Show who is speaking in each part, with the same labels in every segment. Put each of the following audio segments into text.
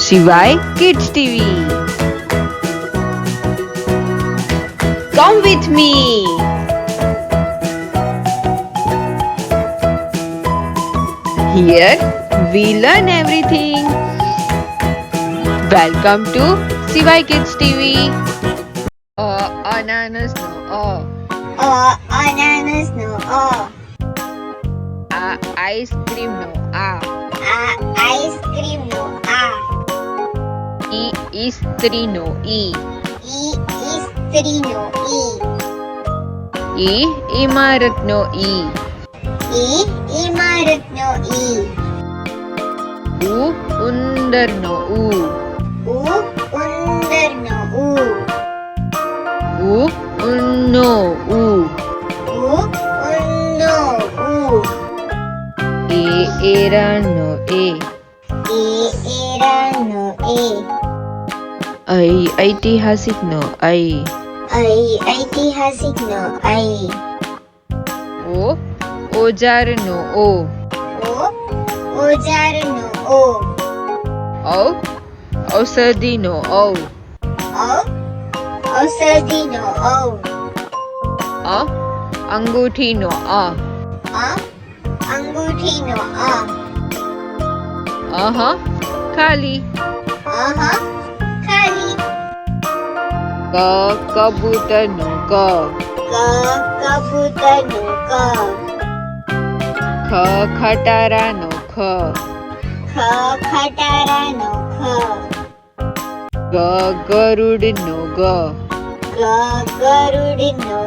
Speaker 1: Shivai Kids TV. Come with me. Here we learn everything. Welcome to Shivai Kids TV. Ananas no
Speaker 2: Ananas no
Speaker 1: ice cream no
Speaker 2: ice cream no
Speaker 1: Istri no
Speaker 2: Istri no
Speaker 1: Imarat no
Speaker 2: Imarat no
Speaker 1: Undar no
Speaker 2: Undar no
Speaker 1: Unno
Speaker 2: Unno
Speaker 1: Era no
Speaker 2: Era no
Speaker 1: ऐतिहासिक no
Speaker 2: ऐतिहासिक no
Speaker 1: औजार no
Speaker 2: औजार no
Speaker 1: औषधि no
Speaker 2: औषधि no
Speaker 1: अंगूठी no
Speaker 2: अंगूठी no
Speaker 1: खाली
Speaker 2: खाली
Speaker 1: कबूतर no
Speaker 2: कबूतर no
Speaker 1: खटारा no
Speaker 2: खटारा no
Speaker 1: गरुड़ no
Speaker 2: गरुड़ no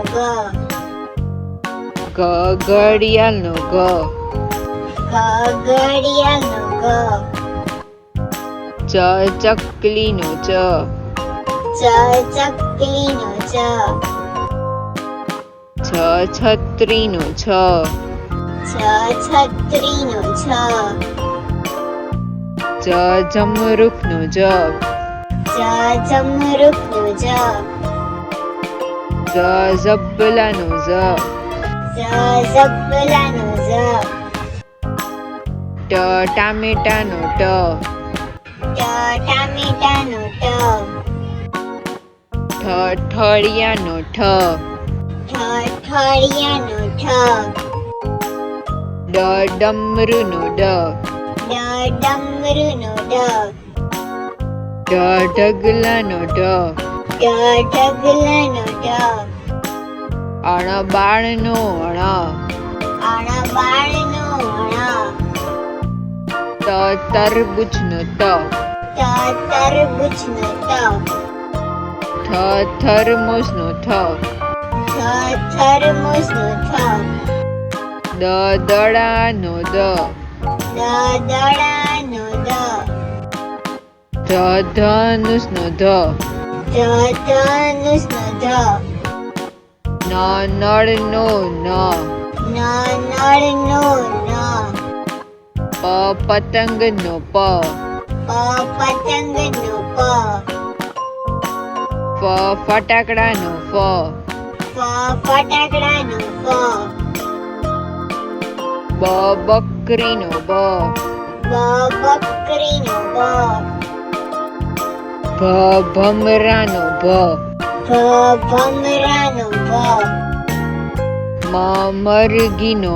Speaker 1: घड़ियाल no
Speaker 2: घड़ियाल no
Speaker 1: चकली no
Speaker 2: चकली no
Speaker 1: छतरी no
Speaker 2: छतरी no
Speaker 1: जमरुख no
Speaker 2: जमरुख no
Speaker 1: जबला no
Speaker 2: जबला no
Speaker 1: टमेटा no
Speaker 2: टमेटा no
Speaker 1: ठड़िया no
Speaker 2: ठड़िया no
Speaker 1: डमरू no
Speaker 2: डमरू no
Speaker 1: ढगला no
Speaker 2: ढगला no
Speaker 1: बाण no
Speaker 2: बाण no
Speaker 1: तरबूज no
Speaker 2: तरबूज no
Speaker 1: thermos no
Speaker 2: thermos no
Speaker 1: दड़ा no
Speaker 2: दड़ा no
Speaker 1: धनुष no
Speaker 2: धनुष no
Speaker 1: नड़ no
Speaker 2: नड़ no
Speaker 1: पतंग no
Speaker 2: पतंग no
Speaker 1: फटाकड़ा no
Speaker 2: फटाकड़ा no
Speaker 1: बकरी no
Speaker 2: बकरी no
Speaker 1: भमरा no
Speaker 2: भमरा no
Speaker 1: मरगी no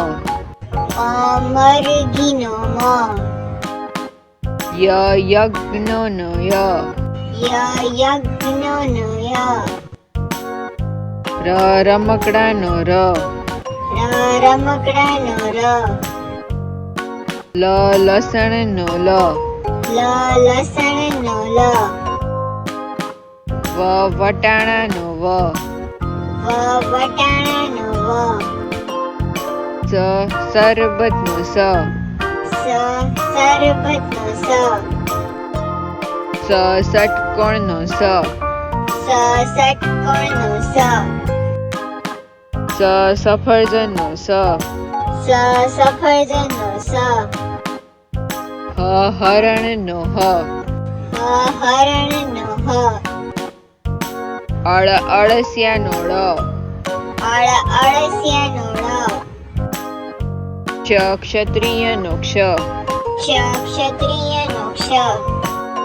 Speaker 2: मरगी no
Speaker 1: यज्ञ no
Speaker 2: यज्ञ no
Speaker 1: रमकड़ा no
Speaker 2: रमकड़ा no
Speaker 1: लसण no
Speaker 2: लसण no
Speaker 1: वटाणा no
Speaker 2: वटाणा no
Speaker 1: शरबत no
Speaker 2: शरबत no
Speaker 1: षटकोण no
Speaker 2: षटकोण no
Speaker 1: सफरजन no
Speaker 2: सफरजन no
Speaker 1: हरण no
Speaker 2: हरण no
Speaker 1: अड़सिया no
Speaker 2: अड़सिया no
Speaker 1: क्षत्रिय no
Speaker 2: क्षत्रिय no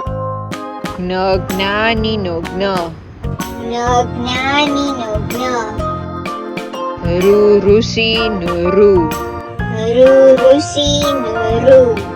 Speaker 1: જ્ઞ જ્ઞાનીનો જ્ઞ,
Speaker 2: જ્ઞાનીનો જ્ઞ,
Speaker 1: ઋષિનો ઋ,
Speaker 2: ઋષિનો ઋ,